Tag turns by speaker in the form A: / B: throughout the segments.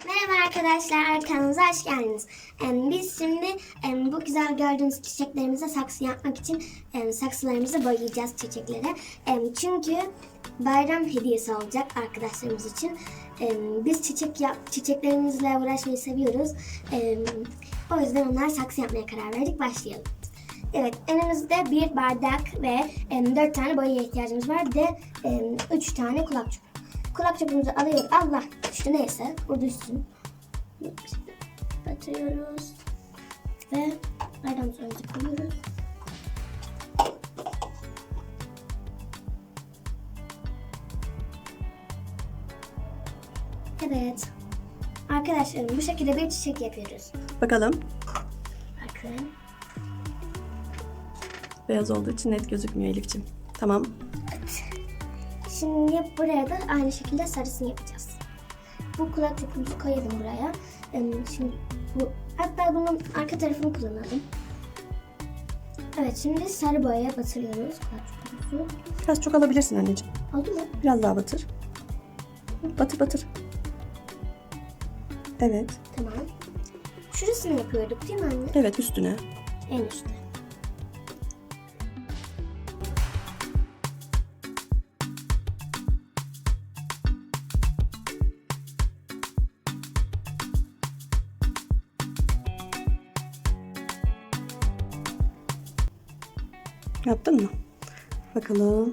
A: Merhaba arkadaşlar, kanalımıza hoş geldiniz. Biz şimdi bu güzel gördüğünüz çiçeklerimize saksı yapmak için saksılarımızı boyayacağız çiçeklere. Çünkü bayram hediyesi olacak arkadaşlarımız için. Biz çiçeklerimizle uğraşmayı seviyoruz. O yüzden onlar saksı yapmaya karar verdik. Başlayalım. Evet, önümüzde bir bardak ve 4 tane boyaya ihtiyacımız var. Bir de 3 tane kulak çubuğu. Kulak çubuğumuzu alıyoruz. Allah düştü, neyse. Bu düşsün. Batırıyoruz. Ve ayranımızı önce koyuyoruz. Evet. Arkadaşlarım, bu şekilde bir çiçek yapıyoruz.
B: Bakalım.
A: Bakın.
B: Beyaz olduğu için net gözükmüyor Elif'ciğim. Tamam.
A: Şimdi buraya da aynı şekilde sarısını yapacağız. Bu kulak çubuğumuzu koyalım buraya. Şimdi hatta bunun arka tarafını kullanalım. Evet, şimdi sarı boyaya batırıyoruz kulak çubuğumuzu.
B: Biraz çok alabilirsin anneciğim.
A: Oldu mu?
B: Biraz daha batır. Batır batır. Evet.
A: Tamam. Şurasını yapıyorduk değil mi anne?
B: Evet, üstüne.
A: En üstte.
B: Yaptın mı? Bakalım.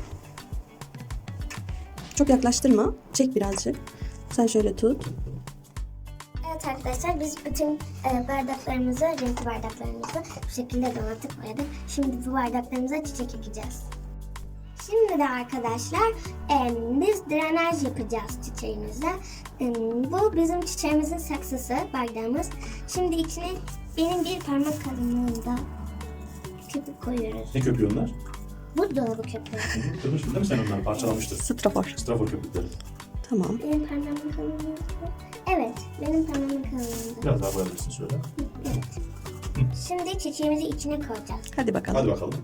B: Çok yaklaştırma. Çek birazcık. Sen şöyle tut.
A: Evet arkadaşlar, biz bütün bardaklarımızı, renkli bardaklarımızı bu şekilde donattık, boyadık. Şimdi bu bardaklarımıza çiçek ekeceğiz. Şimdi de arkadaşlar biz drenaj yapacağız çiçeğimize. Bu bizim çiçeğimizin saksısı, bardağımız. Şimdi içine benim bir parmak kalınlığında köpük koyuyoruz.
C: Ne köpüğü onlar?
A: Buzdolabı köpüğü.
C: Kırmıştın değil mi sen onları? Parçalamıştın.
B: Strafor.
C: Strafor köpükleri.
B: Tamam.
A: Benim parmağımın kalınlığında. Evet, benim parmağımın kalınlığında.
C: Biraz daha koyabilirsin şöyle.
A: Evet. Şimdi çiçeğimizi içine koyacağız.
B: Hadi bakalım.
C: Hadi bakalım.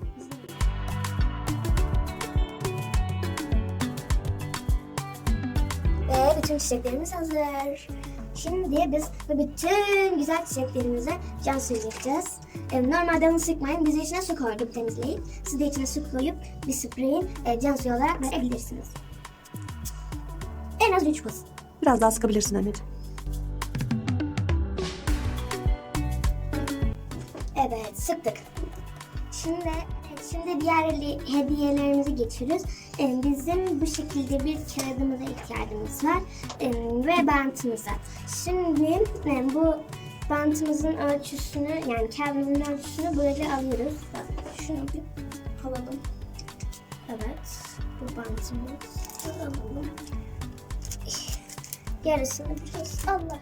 A: Ve bütün çiçeklerimiz hazır. Şimdi biz bu bütün güzel çiçeklerimize can suyu yapacağız. Normalde onu sıkmayın. Biz içine su koyduk temizleyip. Siz de içine su koyup bir spreyin can suyu olarak verebilirsiniz. En az 3 bas.
B: Biraz daha sıkabilirsin anneciğim.
A: Evet, sıktık. Şimdi diğer hediyelerimizi geçiyoruz. Bizim bu şekilde bir kağıdımıza ihtiyacımız var ve bantımıza. Şimdi bu bantımızın ölçüsünü, yani kağıdımızın ölçüsünü böyle alıyoruz. Bak, şunu bir alalım. Evet, bu bantımızı alalım. Yarısını biraz Allah.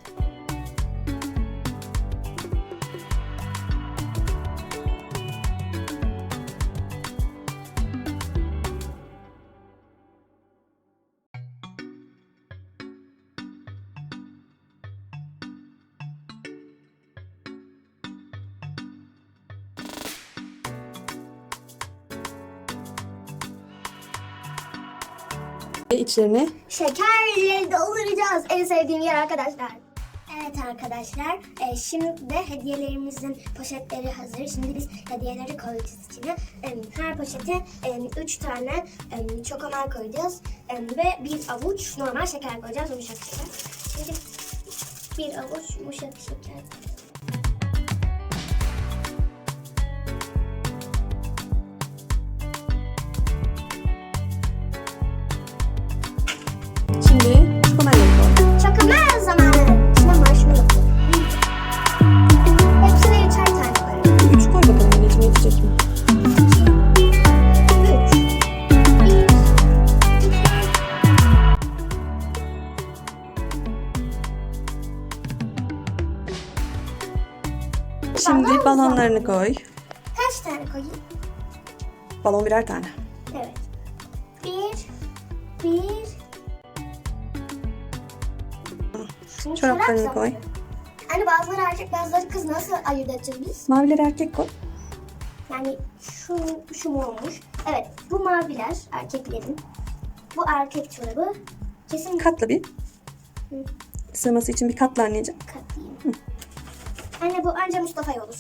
B: Ve içlerine
A: Şekerle dolduracağız. En sevdiğim yer arkadaşlar. Evet arkadaşlar, şimdi de hediyelerimizin poşetleri hazır. Şimdi biz hediyeleri koyacağız içine. Her poşete 3 tane çokomel koyacağız. Ve bir avuç normal şeker koyacağız, yumuşak şeker. Şimdi bir avuç yumuşak şeker.
B: şimdi çikomelleri koy.
A: Çokomel zamanı. Şimdi marshmallow koy. Hepsine 3'er tane koyuyoruz.
B: 3 koy bakalım anneciğim, yetecek mi?
A: 3.
B: Şimdi balonlarını koy.
A: Kaç tane koyayım?
B: Balon birer tane.
A: Evet. Bir. Şimdi
B: Çoraplarını
A: çorap
B: koy.
A: zamanı. Hani bazıları erkek, bazıları kız, nasıl ayırt edeceğiz biz?
B: Mavileri erkek koy.
A: Yani şu mu olmuş? Evet, bu maviler erkeklerin. Bu erkek çorabı. Kesin
B: Katla bir. sığması için bir katla anneciğim.
A: Katlayayım. Anne bu anca Mustafa'ya olur.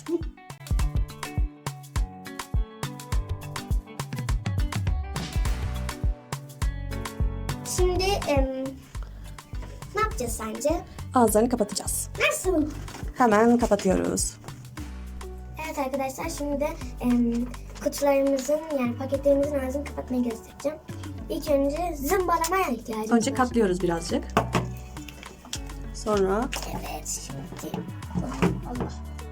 A: Şimdi ne yapacağız sence?
B: Ağızlarını kapatacağız.
A: Nasıl?
B: Hemen kapatıyoruz.
A: Evet arkadaşlar şimdi de kutularımızın yani paketlerimizin ağzını kapatmayı göstereceğim. İlk önce zımbalamaya ihtiyacımız
B: Önce
A: var.
B: katlıyoruz birazcık. Sonra
A: Evet şimdi. Allah.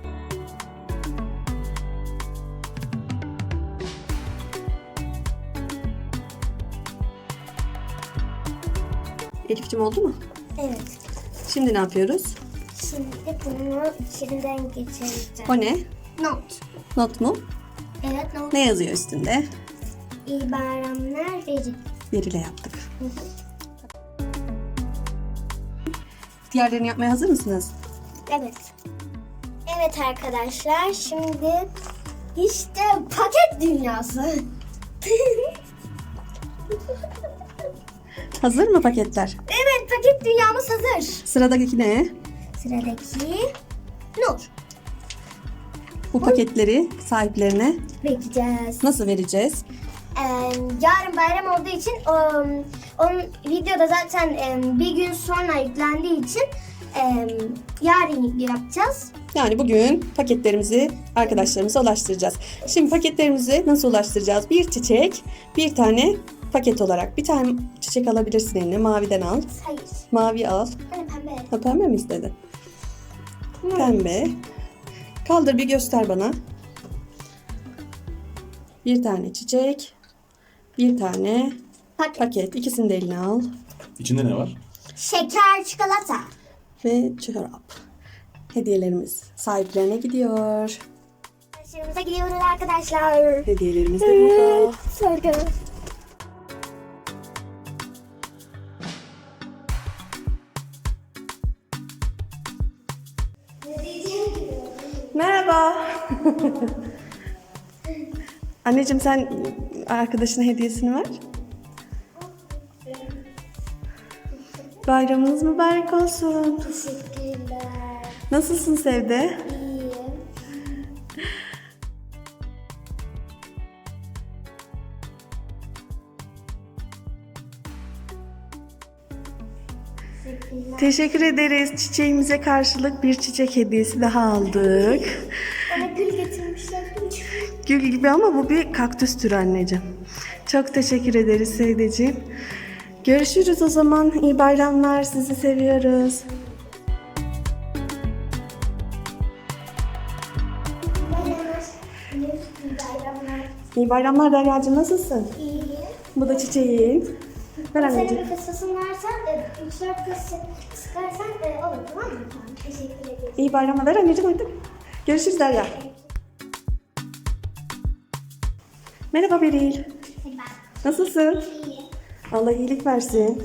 B: Elif'cim oldu mu?
A: Evet.
B: Şimdi ne yapıyoruz?
A: Şimdi bunu içinden geçireceğim.
B: O ne?
A: Not.
B: Not mu?
A: Evet not.
B: Ne yazıyor üstünde?
A: İyi bayramlar verin.
B: Veriyle yaptık. Diğerlerini yapmaya hazır mısınız?
A: Evet. Evet arkadaşlar şimdi işte paket dünyası.
B: Hazır mı paketler?
A: Evet paket dünyamız hazır.
B: Sıradaki ne?
A: Sıradaki Nur.
B: Bu paketleri sahiplerine
A: Bekleyeceğiz.
B: nasıl vereceğiz?
A: Yarın bayram olduğu için onun videoda zaten bir gün sonra yüklendiği için yarın yapacağız.
B: Yani bugün paketlerimizi arkadaşlarımıza ulaştıracağız. Şimdi paketlerimizi nasıl ulaştıracağız? Bir çiçek, bir tane paket olarak. Bir tane çiçek alabilirsin eline. Maviden al.
A: Hayır.
B: Mavi al.
A: Hani pembe.
B: Ha, pembe mi istedin? Pembe. Kaldır bir göster bana. Bir tane çiçek. Bir tane paket. İkisini de eline al.
C: İçinde ne var?
A: Şeker, çikolata.
B: Ve çorap. Hediyelerimiz sahiplerine gidiyor.
A: Arkadaşlarımıza gidiyoruz arkadaşlar.
B: Hediyelerimiz de burada.
A: Sorgu.
B: Merhaba. Anneciğim sen arkadaşına hediyesini ver. Bayramınız mübarek olsun.
A: Teşekkürler.
B: Nasılsın Sevde?
A: İyiyim.
B: Teşekkür ederiz. Çiçeğimize karşılık bir çiçek hediyesi daha aldık.
A: Bana gül getirmişler.
B: Gül gibi ama bu bir kaktüs türü anneciğim. Çok teşekkür ederiz Sevdeciğim. Görüşürüz o zaman. İyi bayramlar. Sizi seviyoruz.
A: Bayramlar.
B: İyi bayramlar Derya'cığım. Nasılsın?
A: İyi.
B: Bu da çiçeğin. Ver
A: Senin
B: anneciğim.
A: bir fıstığın varsa 3-4 kız sıkarsan olur tamam mı? Tamam. Teşekkür ederim.
B: İyi bayramlar. Ver anneciğim artık. Görüşürüz Derya. Merhaba Beril. Nasılsın?
A: İyi.
B: Allah iyilik versin.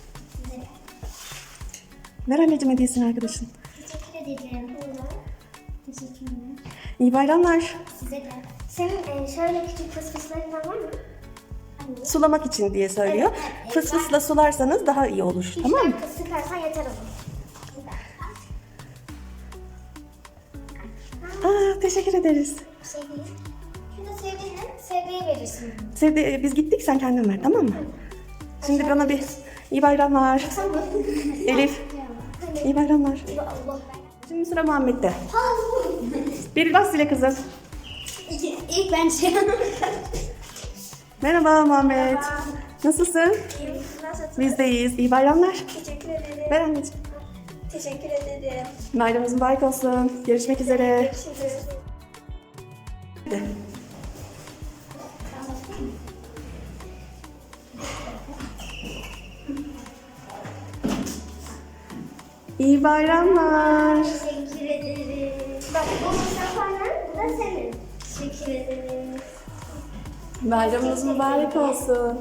B: Ver anneciğim hediyesini arkadaşın.
A: Teşekkür ederim. Teşekkürler.
B: İyi bayramlar.
A: Size de. Senin şöyle küçük fısfıslarından var mı?
B: Sulamak için diye söylüyor.
A: Evet.
B: Fıs fısla sularsanız daha iyi olur. Tamam mı?
A: Kız sıkarsan yeter olur.
B: Aa, teşekkür ederiz.
A: Bir şey değil. Şurada sevdiğine verirsin.
B: Sevde, biz gittik sen kendin ver tamam mı? Şimdi bana bir iyi bayramlar.
A: Tamam.
B: Elif iyi bayramlar.
A: Allah.
B: Şimdi sıra Muhammed'de. Beril bas zile kızım.
A: İlk ben şey
B: Merhaba Muhammed. Nasılsın?
A: Nasıl?
B: Biz de iyiyiz. İyi bayramlar.
A: Teşekkür ederim.
B: Ver anneciğim.
A: Teşekkür ederim.
B: Bayramınız mübarek olsun. Görüşmek üzere.
A: Görüşürüz.
B: Hadi. İyi bayramlar.
A: Teşekkür ederim. Bak bu Mustafa'nın, bu da senin. Teşekkür ederim.
B: Bayramınız mübarek olsun.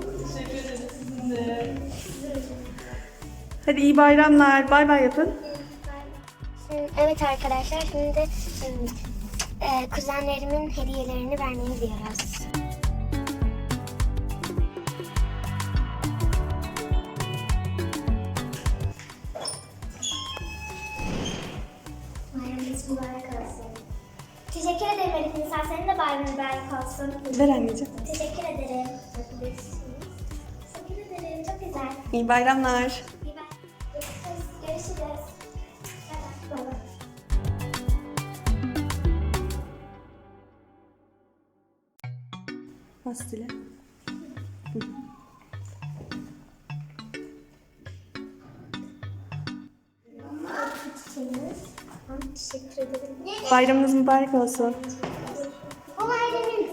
B: Hadi iyi bayramlar. Bay bay yapın.
A: Evet arkadaşlar şimdi de kuzenlerimin hediyelerini vermeye gidiyoruz. Mübarek olsun. Teşekkür ederim Elif Nisa. Senin de bayramın mübarek olsun.
B: Ver anneciğim.
A: Teşekkür ederim. Teşekkür ederim. Çok güzel.
B: İyi bayramlar.
A: İyi bak. Görüşürüz. Bay bay.
B: Pastile.
A: Teşekkür ederim.
B: Bayramınız mübarek olsun.
A: Bu ailemiz.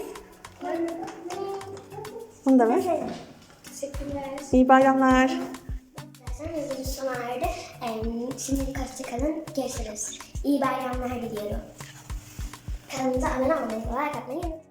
B: Bunu da ver.
A: Teşekkürler.
B: İyi bayramlar.
A: Arkadaşlar videomuz sona erdi. Şimdilik hoşçakalın. Görüşürüz. İyi bayramlar diliyorum. Kanalımıza abone olmayı, like atmayı unutmayın.